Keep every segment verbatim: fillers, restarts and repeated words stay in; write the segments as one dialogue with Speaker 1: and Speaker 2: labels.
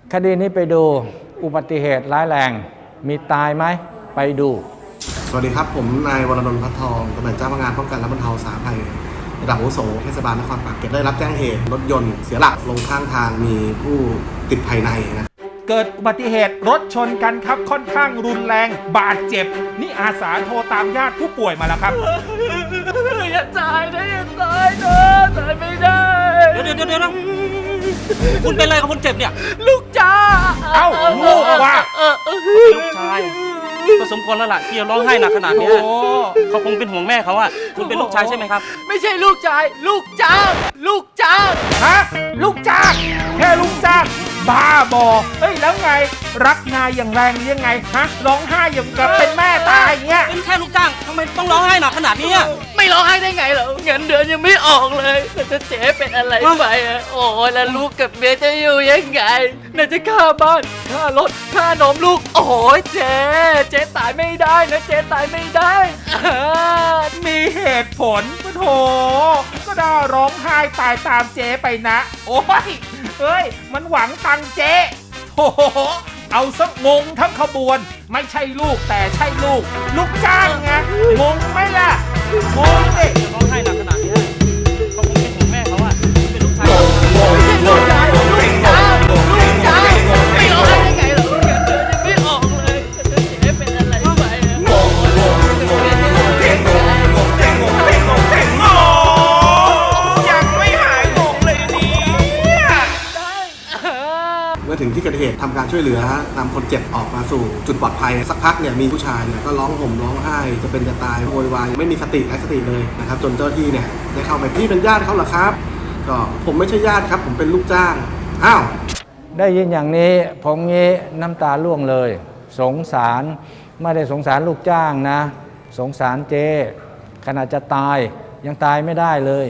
Speaker 1: คดีนี้ไปดูอุบัติเหตุร้ายแรงมีตายไหมไปดู
Speaker 2: สวัสดีครับผมนายวรนนท์พัฒทองตำแหน่งเจ้าพนักงานป้องกันและบรรเทาสาธารณภัยระดับอาวุโสเทศบาลนครปากเกร็ดได้รับแจ้งเหตุรถยนต์เสียหลักลงข้างทางมีผู้ติดภายในนะ
Speaker 3: เกิดอุบัติเหตุรถชนกันครับค่อนข้างรุนแรงบาดเจ็บนี่อาสาโทรตามญาติผู้ป่วยมาแล้วครับ
Speaker 4: อย่าตายนะอย่าตายนะตายไม่ได้
Speaker 5: เดี๋ยวเดี๋ยวเดี๋ยวคุณเป็นอะไรกับคนเจ็บเนี่ย
Speaker 4: ลูกจ้า
Speaker 3: เอ้าลูกว่า
Speaker 5: ลูกชายก็สมควรแล้วล่ะที่จะร้องไห้หนักขนาดนี้เขาคงเป็นห่วงแม่เขาอะคุณเป็นลูกชายใช่ไหมครับ
Speaker 4: ไม่ใช่ลูกชายลูกจ้างลูกจ้าง
Speaker 3: ฮะลูกจ้างแค่ลูกจ้างบ้าบอเฮ้ยแล้วไงรักนายอย่างแรงยังไงฮะร้องไห้อย่างกับเป็นแม่ตายเงี้ย
Speaker 5: เป็นแค่ลูกจ้างทำไมต้องร้องไห้หนักขนาดนี้
Speaker 4: ไม่ร้องไห้ได้ไงเหรอเงินเดือนยังไม่ออกเลยจะเจ๊เป็นอะไรไปอะโอ้ยแล้วลูกกับเมียจะอยู่ยังไงน่าจะค่าบ้านค่ารถค่านมลูกโอ้ยเจ๊เจ๊ตายไม่ได้นะเจ๊ตายไม่ได้
Speaker 3: มีเหตุผลปะโถก็ได้ร้องไห้ตายตามเจ๊ไปนะโอ้ยเฮ้ยมันหวังตังเจ๊โอ้โหเอาซะงงทั้งขบวนไม่ใช่ลูกแต่ใช่ลูกลูกจ้างไงงงไหมล่ะงงดิ
Speaker 5: ร้องไห้หนักขนาดนี้เขาคงเป็นห่วงแม่เขาอะเป็นลูกชาย
Speaker 4: ลูกชายลูกจ้างลูกจ้างไม่ร้องไห้ได้ไงหรอเงินเดือนยังไม่ออกเลยจะเจ๊เป็นอะไรไปอะงงงงงงงงเท่งงงงงเท่งงงเท่งงงเท่งงงยังไม่หายงงเลยเนี่ย
Speaker 2: เมื่อถึงที่เกิดเหตุทำการช่วยเหลือนำคนเจ็บออกมาสู่จุดปลอดภัยสักพักเนี่ยมีผู้ชายเนี่ยก็ร้องห่มร้องไห้จะเป็นจะตายโวยวายไม่มีสติไร้สติเลยนะครับจนเจ้าหน้าที่เนี่ยได้เข้าไปพี่เป็นญาติเขาเหรอครับก็ผมไม่ใช่ญาติครับผมเป็นลูกจ้างอ้าว
Speaker 1: ได้ยินอย่างนี้ผมงี้น้ำตาร่วงเลยสงสารไม่ได้สงสารลูกจ้างนะสงสารเจ๊ขณะจะตายยังตายไม่ได้เลย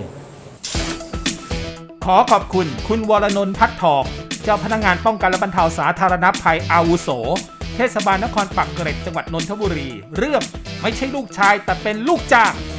Speaker 3: ขอขอบคุณคุณวรนนท์พัฒทองเจ้าพนักงานป้องกันและบรรเทาสาธารณภัยอาวุโสเทศบาลนครปากเกร็ดจังหวัดนนทบุรีเรื่องไม่ใช่ลูกชายแต่เป็นลูกจ้าง